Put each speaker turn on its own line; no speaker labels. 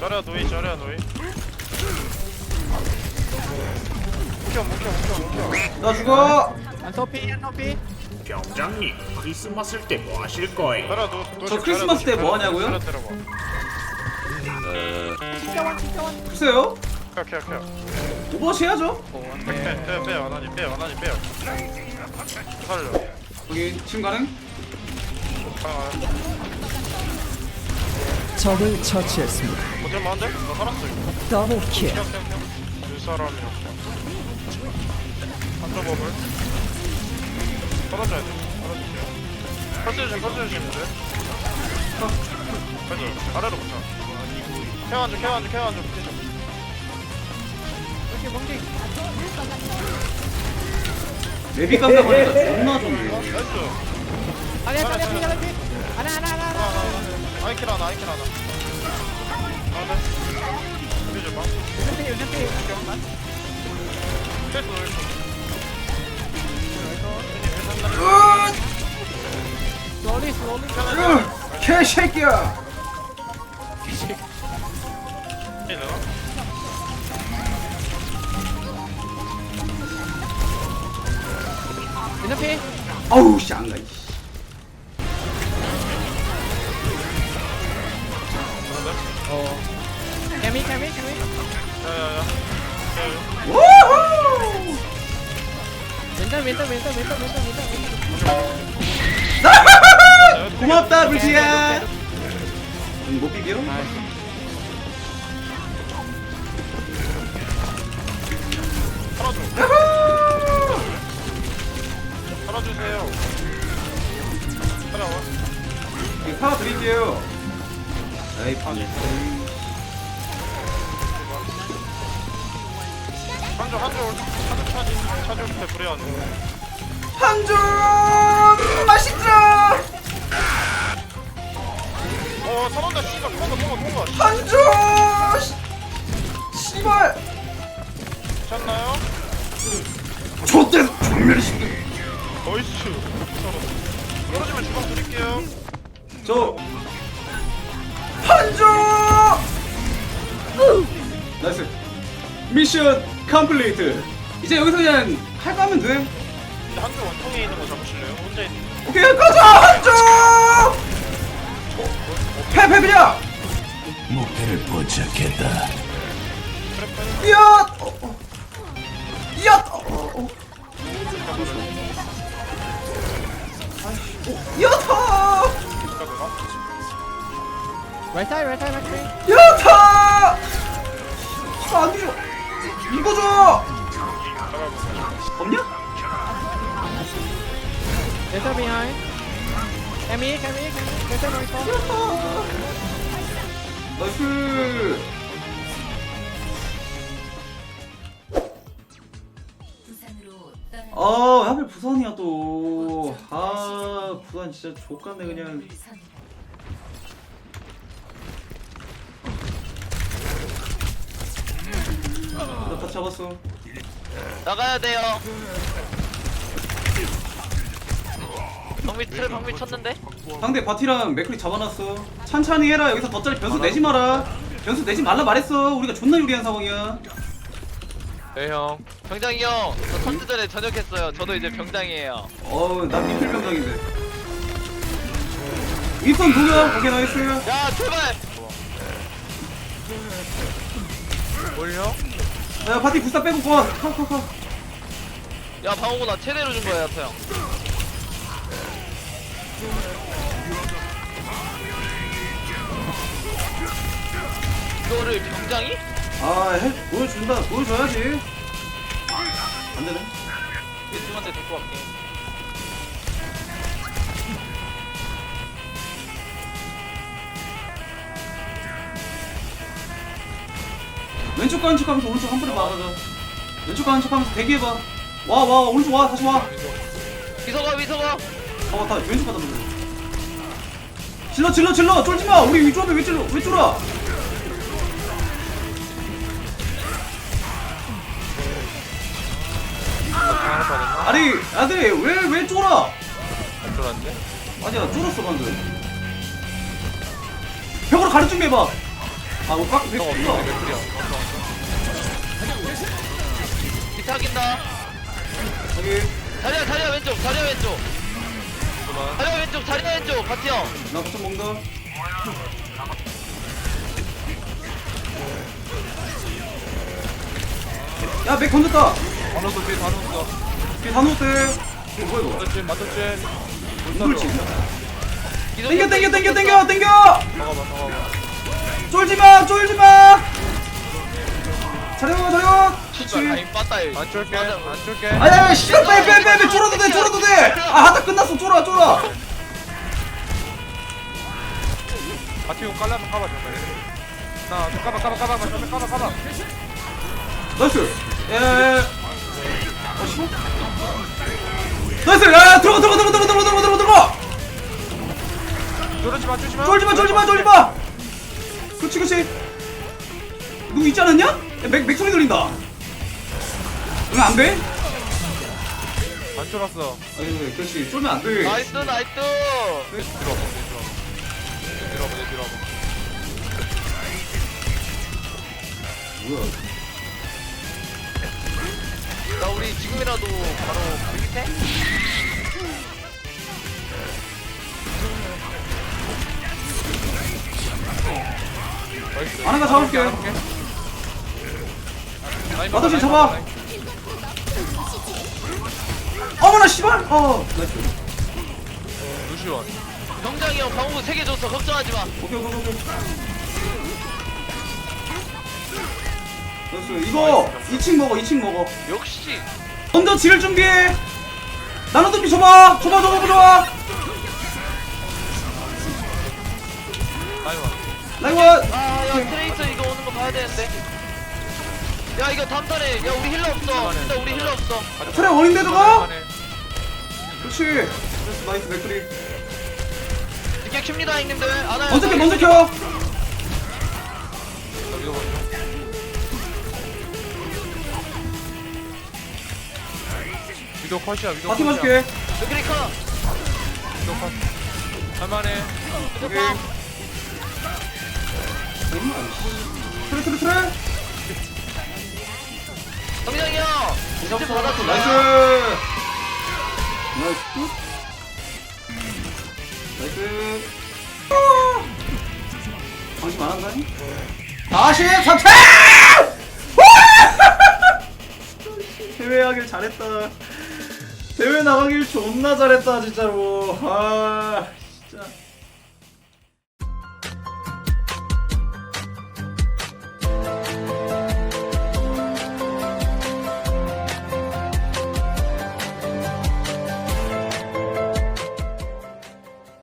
저려 노이 저려 노이. 묵혀.
나 죽어.
안토피
병장님, 크리스마스 때 뭐 하실 거예요?
저려
저 크리스마스 때뭐 하냐고요?
저려 때려봐.
글쎄요.
오케이.
오버워치 해야죠.
빼 원하니 빼요. 살려.
여기 지금 가능?
적을 처치했습니다.
어쩔 만한데? 나 살았어 이거.
더블킬.
두 사람이었어. 한쪽 법을. 떨어져야 돼. 떨어주세요. 펄스 주시는데. 맞아. 아래로 붙여. 케어한줘. 붙이죠.
레비 깜짝 놀랐다. 존나 좋네.
나이스.
하나
아이킬 하나. 아, 네. 우리 좀 봐.
슬로리
개새끼야.
엔토피
아우 씨 안 가.
캐미
야야야.
우후.
멘탈
고맙다 불지야. 못 비벼?
살아주세요. 살아와.
이 파워 드릴게요. 에이 파.
한줄 차줄 때 불에 안 돼.
한줄 맛있다.
살았다 씨발 통과.
한줄 씨발.
괜찮나요?
좆대 전멸이 쉽게.
나이스. 떨어지면 주방 드릴게요.
저 한줄. 나이스. 미션 컴플리트. 이제 여기서 그냥 할 거 하면 돼.
근데 한줄 원통에 있는 거 잡으실래요? 혼자 있는
오케이 가자 한줄. 패패비야.
목표를 포착했다.
야. 야. 야타.
라이트
야타. 안 줘. 이거 줘. 없냐?
멘탈 비하인드 캐미 멘탈 라이트
나이스. 아 하필 부산이야 또. 아 부산 진짜 족같네 그냥. 나 잡았어.
나가야 돼요. 방미 쳤는데?
상대 바티랑 맥클이 잡아놨어. 천천히 해라. 여기서 덧자리 변수 내지 마라. 변수 내지 말라 말했어. 우리가 존나 유리한 상황이야.
네 형. 병장이 형, 저 선수 전에 전역했어요. 저도 이제 병장이에요.
난 미필 병장인데. 윗선 도겸. 오케이 나이스.
야 제발.
뭘요?
야 바티 부스타 빼고 와. 컷.
야 방어구 나 최대로 준 거야 야타 형. 이거를 병장이?
보여줘야지. 안 되네.
얘2한테 데리고 갈게.
왼쪽 가는 척하면서 오른쪽 한 번에 막아줘. 왼쪽 가는 척하면서 대기해봐. 와 오른쪽 와 다시 와.
미소가.
다 왼쪽 가다 보자. 질러 쫄지 마. 우리 위쪽에 왜 쫄아? 아니 아들이 왜 쫄아?
안 쫄았는데?
아니야 쫄았어 방금. 벽으로 가릴 준비해봐. 아 오빠 백
너
불러.
없어 맥클이야
기타긴다.
여기
자리야 왼쪽, 자리야 왼쪽.
그만
자리야 왼쪽, 자리야 왼쪽. 바티 형.
나 버튼 먹는다. 야맥 던졌다.
반호도 뒤에 반호도
뒤에 다 넣었대. 이거 뭐야 이거?
맞췄지 맞췄지
이걸 진짜.
기동
땡겨.
잠깐만
쫄지마. 자려.
진짜 라인 빠따 이.
안 쫄게
맞아.
안 쫄게
아야 씨발 빼 쫄아도 돼. 아 하다 끝났어. 쫄아.
바티용 깔라면 까봐 정말 까봐
나이스. 나이스. 야 들어가. 쫄지마. 그렇지. 누구 있지 않았냐? 야, 맥 소리 들린다. 응, 안 돼?
안 쫄았어
아니, 그렇지. 쫄면 안 돼.
나이스.
뒤로 와봐
뭐야?
나 우리 지금이라도 바로 클릭해?
나이스
아나가 잡을게. 나도 지금 잡아. 어머나 씨발. 나이스.
루시원
병장이 형 방어구 3개 줬어. 걱정하지 마.
오케이. 나이스. 이거 2층 먹어.
역시.
먼저 지를 준비해. 나노도피 줘봐.
나이원
라이원.
아, 야, 트레이서 이거 오는 거 봐야 되는데. 야, 이거 다음 턴에. 야, 우리 힐러 없어. 진짜 우리 힐러 없어.
트레 원인데 저거? 그렇지. 나이스 맥크리.
이게 킵니다, 형님들. 안 와요.
먼저 켜.
이거 먼저 위도 컷이야 위도
바티
컷이야
맞을게.
크리커.
위도 컷 할만해
오케이. 트레.
병장이 형. 진짜 받았어.
나이스. 방심 안 한다니? 43차! 대회 하길 잘했다. 대회 나가길 존나 잘했다 진짜로. 아 진짜.